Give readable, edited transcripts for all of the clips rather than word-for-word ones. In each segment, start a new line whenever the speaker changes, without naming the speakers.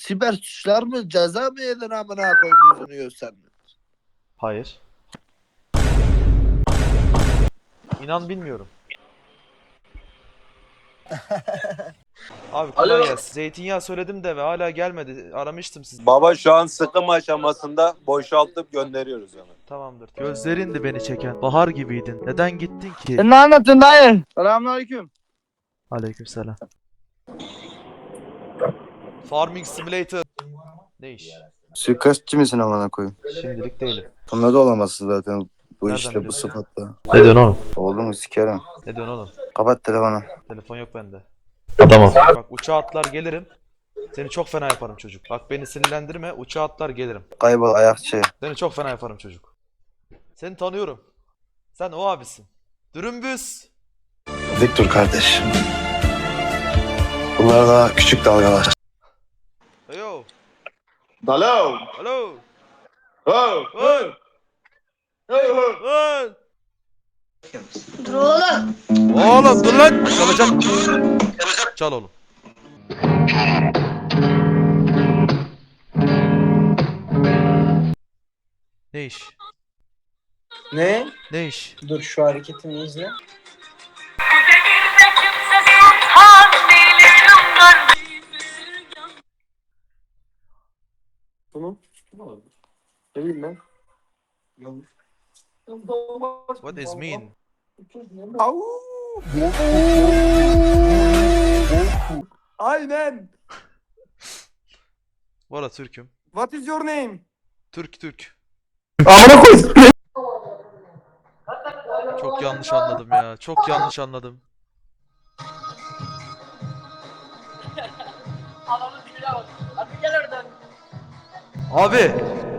siber suçlar mı ceza mı yedin amına koyayım yüzünü göstermiyor.
Hayır. İnan bilmiyorum. Abi kolay gelsin. Zeytinyağı söyledim de ve hala gelmedi. Aramıştım sizi.
Baba şu an sıkım aşamasında boşaltıp gönderiyoruz onu.
Tamamdır. Gözlerindi beni çeken. Bahar gibiydin. Neden gittin ki?
Sen ne anlattın dayı? Selamünaleyküm.
Aleykümselam. Farming Simulator. Ne iş?
Suikastçı mısın amına koyayım?
Şimdilik değilim.
Bunda da olamazsın zaten. Bu
Nereden
işte bu
biliyorsun?
sıfatla.
Ne diyorsun oğlum?
Oğlum sikerim.
Ne diyorsun oğlum?
Kapat telefonu.
Telefon yok bende. Adamım. Bak uçağa atlar gelirim. Seni çok fena yaparım çocuk. Bak beni sinirlendirme. Uçağa atlar gelirim.
Kaybol ayakçı.
Seni çok fena yaparım çocuk. Seni tanıyorum. Sen o abisin. Dürümbüz.
Victor kardeş. Bunlar daha küçük dalgalar.
Heyo.
Alo.
Alo.
Ho.
Hey.
Ho.
Hey.
Dur oğlum.
Oğlum dur lan. Çalacak. Çal oğlum. Ne iş?
Ne?
Ne iş?
Dur şu hareketimi izle. Bunu. Ne bileyim ben.
What is mean?
Aynen.
Valla Türk'üm.
What is your name?
Türk.
Amına koy.
Çok yanlış anladım ya. Çok yanlış anladım.
Adamın dibine bak. Hadi gel oradan.
Abi.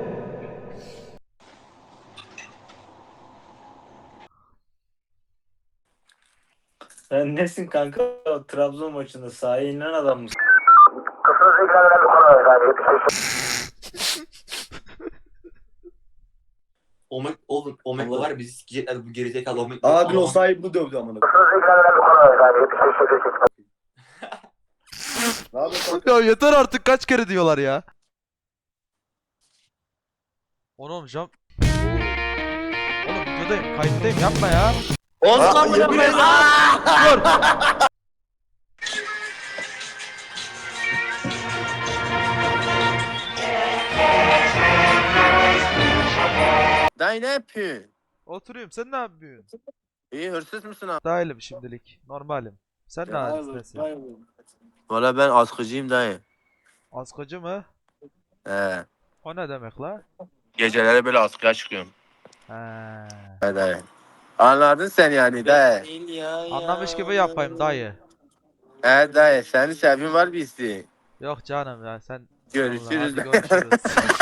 Sen nesin kanka? O Trabzon maçında sahaya inen adam mısın?
Omeg'le var ya bizi sikecekler bu gerizekalı Omeg'le.
Abi o sahibini dövdü amına.
Ne yapıyorsun?
Ya yeter artık kaç kere diyorlar ya. Oğlum cam. Oğlum videodayım, kayıttayım yapma ya.
Olsun amına koyayım.
Dur.
Dayı ne yapıyorsun?
Oturuyorum sen ne yapıyorsun?
İyi hırsız mısın abi?
Dahilim şimdilik. Normalim. Sen ne halindesin?
Valla ben askıcıyım dayı.
Askıcı mı?
He.
O ne demek la?
Geceleri böyle askıya çıkıyorum.
He.
He dayı. Anladın sen yani dayı.
Anlamış gibi yapayım dayı.
He dayı senin sevgin var bir isteğin.
Yok canım ya sen.
Görüşürüz.
Vallahi hadi görüşürüz.